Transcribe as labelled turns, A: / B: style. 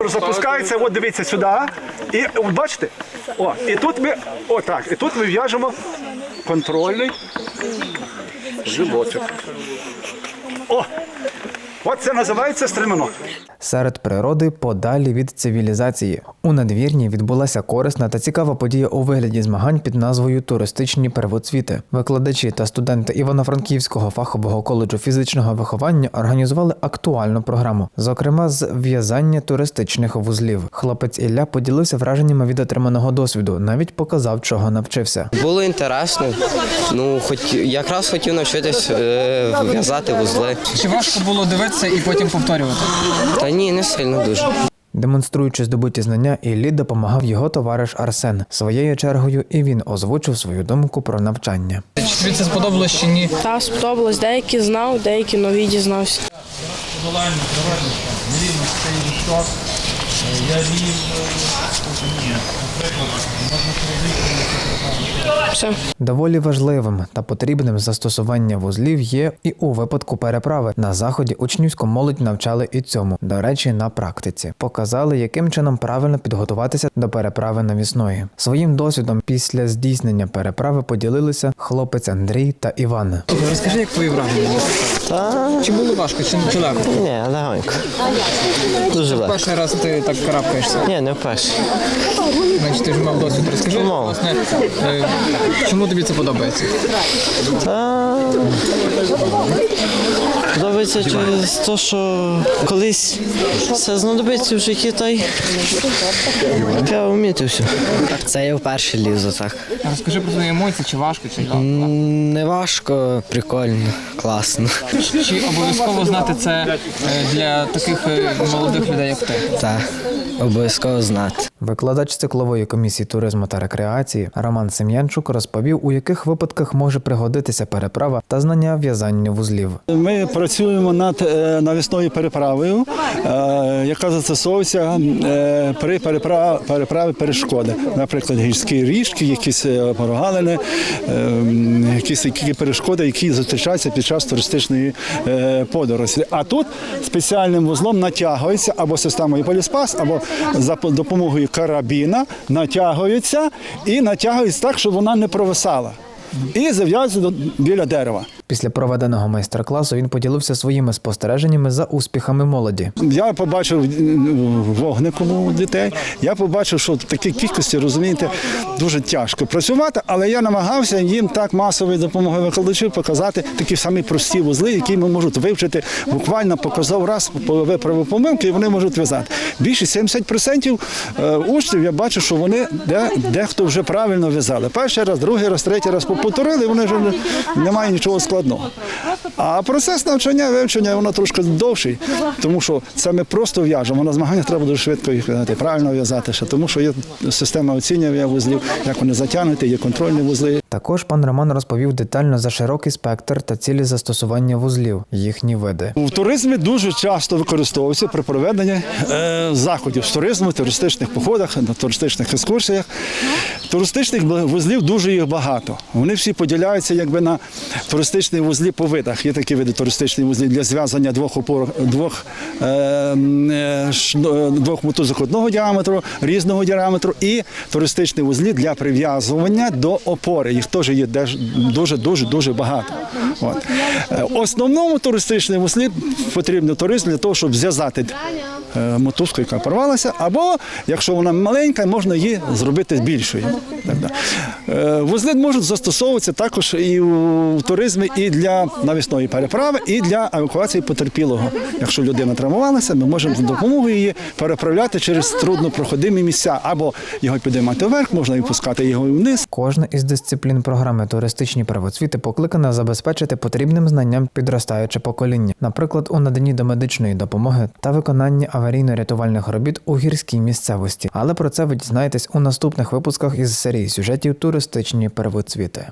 A: мотор запускається, от дивіться сюди. І от бачите, і тут ми, і тут ми в'яжемо контрольний животик. От це називається стремено.
B: Серед природи подалі від цивілізації. У надвірні відбулася корисна та цікава подія у вигляді змагань під назвою «Туристичні первоцвіти». Викладачі та студенти Івано-Франківського фахового коледжу фізичного виховання організували актуальну програму, зокрема з в'язання туристичних вузлів. Хлопець Ілля поділився враженнями від отриманого досвіду, навіть показав, чого навчився.
C: Було інтересно, якраз хотів навчитись в'язати вузли.
D: Чи важко було дивитися і потім повторювати?
C: Та ні, не сильно дуже.
B: Демонструючи здобуті знання, Іллі допомагав його товариш Арсен. Своєю чергою і він озвучив свою думку про навчання.
D: Чи тобі це сподобалось чи ні?
E: Так, сподобалось. Деякі знав, деякі нові дізнався. Все.
B: Доволі важливим та потрібним застосування вузлів є і у випадку переправи. На заході учнівську молодь навчали і цьому, до речі, на практиці. Показали, яким чином правильно підготуватися до переправи навісної. Своїм досвідом після здійснення переправи поділилися хлопець Андрій та Іван.
D: Розкажи, як твої враження? Чи було важко, чи легко?
C: Ні, легонько. Дуже легко.
D: Перший раз ти так карабкаєшся?
C: Ні, не вперше.
D: Значить, ти ж мав досвід. Розкажи, власне, чому тобі це подобається?
F: Подобається через те, що колись все знадобиться в житті, та й треба вміти все.
G: Це я вперше лізу, так.
D: Розкажи про свої емоції, чи важко, чи легко?
G: Не важко, прикольно, класно.
D: Чи обов'язково знати це для таких молодих людей, як ти?
G: Так, обов'язково знати.
B: Викладач циклової комісії туризму та рекреації Роман Сем'янчук розповів, у яких випадках може пригодитися переправа та знання в'язання вузлів.
A: Ми працюємо над навісною переправою, яка застосовується при переправі перешкоди. Наприклад, гірські річки, якісь прогалини, якісь перешкоди, які зустрічаються під час туристичної подорожі. А тут спеціальним вузлом натягується або системою поліспас, або за допомогою карабіна натягується так, щоб вона не провисала. І зав'язується біля дерева.
B: Після проведеного майстер-класу він поділився своїми спостереженнями за успіхами молоді.
A: Я побачив вогником у дітей, я побачив, що в такій кількості, розумієте, дуже тяжко працювати, але я намагався їм так масовою допомогою викладачів показати такі самі прості вузли, які ми можуть вивчити. Буквально показав раз, виправив помилки, і вони можуть в'язати. Більше 70% учнів я бачу, що вони дехто вже правильно в'язали. Перший раз, другий раз, третій раз повторили, і вони вже немає нічого складного. А процес навчання, вивчення, воно трошки довший, тому що це ми просто в'яжемо. На змаганнях треба дуже швидко їх в'язати, правильно в'язати, тому що є система оцінювання вузлів, як вони затягнуті, є контрольні вузли.
B: Також пан Роман розповів детально за широкий спектр та цілі застосування вузлів, їхні види.
A: В туризмі дуже часто використовується при проведенні заходів з туризму, туристичних походах, на туристичних екскурсіях. Туристичних вузлів дуже їх багато. Вони всі поділяються якби на туристичні вузлі по видах. Є такі види туристичні вузлі для зв'язання двох мотузок одного діаметру, різного діаметру, і туристичні вузлі для прив'язування до опори. Їх теж є дуже багато. Основному туристичному вузлі потрібен туризм для того, щоб зв'язати мотузку, яка порвалася, або, якщо вона маленька, можна її зробити більшою. Вузли можуть застосовуватися також і в туризмі, і для навісної переправи, і для евакуації потерпілого. Якщо людина травмувалася, ми можемо з допомогою її переправляти через труднопроходимі місця, або його підіймати вверх, можна і пускати його вниз.
B: Кожна із дисциплін програми «Туристичні первоцвіти» покликана забезпечити потрібним знанням підростаюче покоління, наприклад, у наданні домедичної допомоги та виконанні аварійно-рятувальних робіт у гірській місцевості. Але про це ви дізнаєтесь у наступних випусках із серії сюжетів «Туристичні первоцвіти».